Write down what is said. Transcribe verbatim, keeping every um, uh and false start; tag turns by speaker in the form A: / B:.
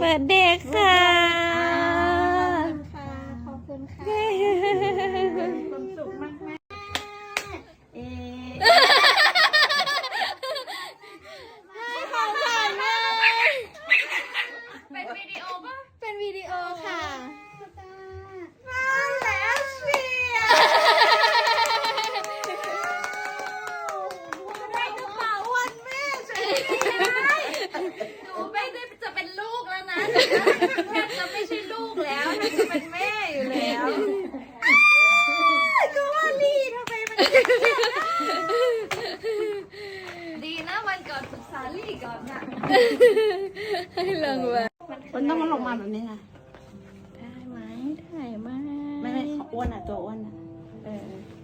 A: บิร์ธเดย์ค่ะ
B: ขอบคุณค่ะขอบคุณค่ะความสุขมากมากเอ๊ของขวัญแม่เป็นวิดีโอป่ะเป็นวิดีโอค่ะมาแล้วสิได้กระเป๋าวันแม่ใช่ไหมหนูไม่ได้จะเป็นลูกแล้วนะแม่จะไม่ใช่ลูกแล้วแม่จะเป็นแม่อยู่แล้วก็ว่าลีทำไมมันดีนะวันก่อนศึกษาลีก่อนน่ะ
A: ให้ลงมา
B: มันต้องมันลงมาแบบนี้นะ
A: ได้ไหมได้ไหม
B: ไม่ไม่อ้วนอ่ะตัวอ้วนอ่ะเออ